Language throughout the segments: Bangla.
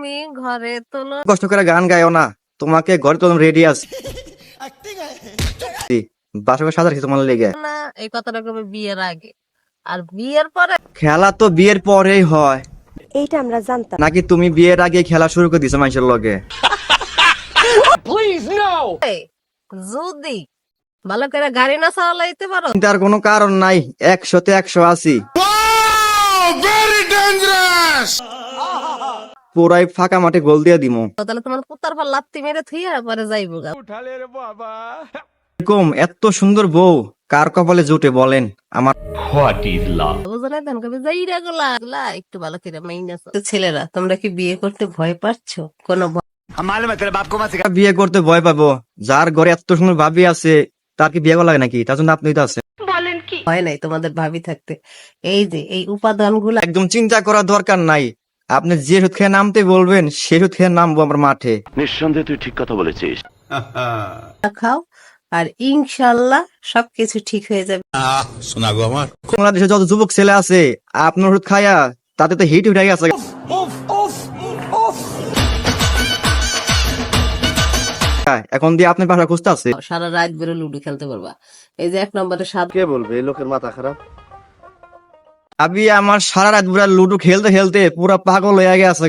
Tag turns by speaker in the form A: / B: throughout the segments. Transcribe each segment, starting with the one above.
A: তুমি ঘরে তোলো।
B: কষ্ট করে গান গায়ও না, তোমাকে ঘরে তো রেডি আছি। বাসকে সাজা রাখি তোমার লেগে।
A: না, এই কথাটা কবে বিয়ের আগে, আর বিয়ের পরে
B: খেলা তো বিয়ের পরেই হয়।
C: এইটা আমরা জানতাম।
B: নাকি তুমি বিয়ের আগে খেলা শুরু করে দিছো মানুষের লগে?
A: যদি ভালো করে গাড়ি না চালাইতে পারো,
B: তার কোনো কারণ নাই, 100-তে 100 আছি। পুরাই ফাঁকা মাঠে গোল দিয়ে দিমু।
A: তাহলে তোমার পুতার পর লাত্তি মেরে থুইয়া পরে যাইবো গা।
B: এরকম এত সুন্দর বউ কার কপালে জুটে বলেন? আমার
A: বুঝলে দেন কবে যাইরা গুলা একটু ভালো করে মাইনাস। ছেলেরা, তোমরা কি বিয়ে করতে ভয় পাচ্ছো? কোনো
B: বিয়ে করতে ভয় পাবো? যার ঘরে এত সুন্দর ভাবি আছে তার কি বিয়ে করা লাগে নাকি? তার জন্য আপনি তো আছেন।
A: ভয় নাই তোমাদের ভাবি থাকতে। এই যে এই উপাদান গুলা
B: একদম চিন্তা করার দরকার নাই। আপনি যে সুদ খেয়ে নামতে বলবেন সে সুদ খেয়ে নামবো আমার মাঠে।
D: নিঃসন্দেহে তুই ঠিক কথা বলেছিস।
A: খাও, আর ইনশাল্লাহ সবকিছু ঠিক হয়ে যাবে।
B: বাংলাদেশে যত যুবক ছেলে আছে আপনার ওষুধ খায়া তাতে তো হিট উঠে গেছে। এখন দিয়ে আপনার বাসা খুঁজতে আছে।
A: সারা রাত বেরো লুডো খেলতে পারবা। এই যে 1 নম্বরে সাত।
E: কে বলবে এই লোকের মাথা খারাপ?
B: আবি আমার সারা রাত পুরা লুডো খেলতে খেলতে পুরা পাগল হয়ে গেছে।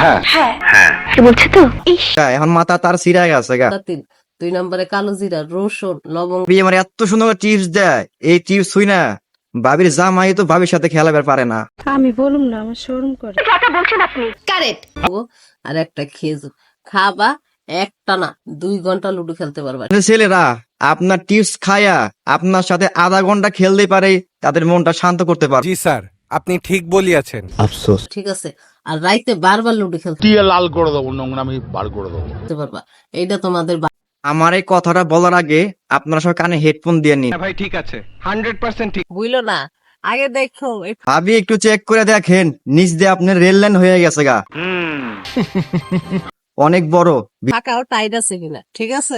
B: এখন মাথা তার ছিঁড়ে গেছে গা।
A: 2 নম্বরে কালো জিরা, রসুন, লবঙ্গ।
B: আবি আমার এত সুন্দর টিপস দেয়, এই টিপস হই না ভাবির জামাই তো ভাবির সাথে খেলাবার পারে না।
C: আমি বলুম না, আমার শরম করে।
A: আর একটা খেজুর খাবা, একটা না 2 ঘন্টা লুডো খেলতে পারবা।
B: ছেলেরা আপনার টিপস খায়া আপনার সাথে আধা ঘন্টা খেলতে পারে, তাদের মনটা শান্ত করতে পারে।
F: জি স্যার, আপনি ঠিক বলিয়াছেন।
E: আফসোস।
A: ঠিক আছে, আর রাইতে বারবার লুডো খেলতে
G: লাল করে দেবো, নোংরামি বার করে দেবো।
A: পারবা। এইটা তোমাদের
B: আমার এই কথাটা বলার আগে আপনারা সব কানে হেডফোন দিয়ে নিন।
F: ভাই ঠিক আছে, 100% ঠিক।
A: বুঝলো না। আগে দেখো এই
B: ভাবি একটু চেক করে দেখেন, নিচ দিয়ে আপনার রেল লাইন হয়ে গেছে গা। অনেক বড়।
A: ফাঁকাও টাইট আছে কিনা, ঠিক আছে?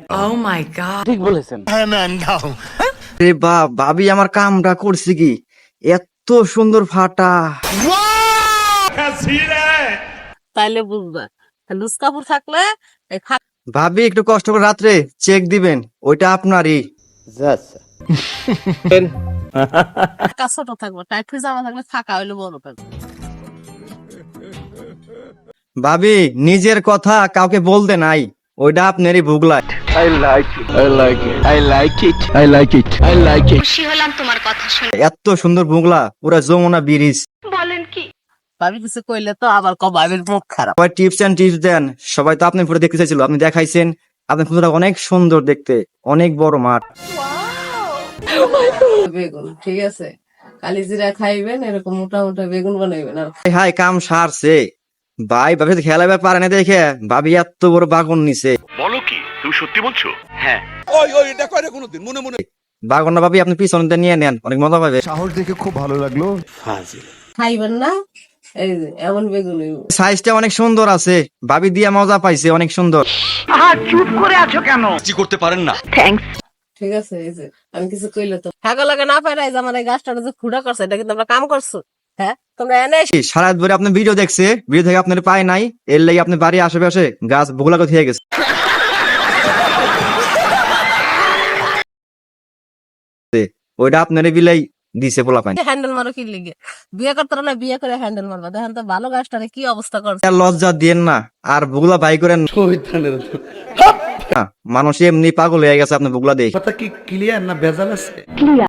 B: রে ভাবি আমার কামটা করছে কি? এত সুন্দর ফাটা।
A: তাইলে বুঝবা। লুজ কাপড় থাকলে এই
B: ভাবি একটু কষ্ট করে রাত্রে চেক দিবেন, ওইটা আপনারই।
A: ফাঁকা ছোট থাকবো, টাইট হয়ে জামা থাকলে ফাঁকা হইলে বড় থাকবে।
B: ভাবি নিজের কথা কাউকে বলতে নাই, ওইটা আপনারই ভুগলা। এত সুন্দর ভুগলা, পুরা যমুনা ব্রিজ।
A: ভাবি কিছু কইলে তো আবার কবাবের মুখ খারাপ।
B: সবাই টিপস এন্ড টিপস দেন, সবাই তো আপনি পুরো দেখতে চাইছিল, আপনি দেখাইছেন। আপনার ফুলটা অনেক সুন্দর দেখতে, অনেক বড় মাঠ।
A: বেগুন, ঠিক আছে? কালি জিরা খাইবেন, এরকম মোটা মোটা বেগুন বানাইবেন। আর
B: হাই কাম সারছে ভাই, ভাবি খেলাবার পারে না দেখে ভাবি এত বড় বাগন নিছে।
D: বলো কি, তুমি সত্যি বলছো? হ্যাঁ।
B: বাগন না ভাবি, আপনি পিছনে নিয়ে নেন, অনেক মজা পাবে।
E: সাহস দেখে খুব ভালো লাগলো।
A: খাইবেন না? এই যে এমন বেগুন হইব।
B: সাইজটা অনেক সুন্দর আছে, ভাবি দিয়া মজা পাইছে, অনেক সুন্দর।
A: ঠিক আছে, এই যে আমি কিছু কইলে তো হাগা লাগে না পারে। আমার এই গাছটা যে খুঁড়া করছে, এটা কিন্তু আমরা কাম করছো। হ্যাঁ, তোমরা এনে
B: সারা রাত ধরে আপনি ভিডিও দেখছে, ভিডিও থেকে আপনার পায় নাই, এর লাগে আপনি বাড়ি আশেপাশে গাছ বগুলা কথা গেছে। ওইটা আপনার বিলাই দিছে পোলা পানি।
A: হ্যান্ডেল মারো কি লিগে? বিয়ে করতে না, বিয়ে করে হ্যান্ডেল মারবা। দেখেন তো ভালো গাছটারে কি অবস্থা করছে।
B: আর লজ্জা দিয়েন না, আর বগুলা বাই করেন না। মানুষ এমনি পাগল হয়ে গেছে আপনার বগুলা দেখে।
E: কথা কি ক্লিয়ার না ভেজাল আছে?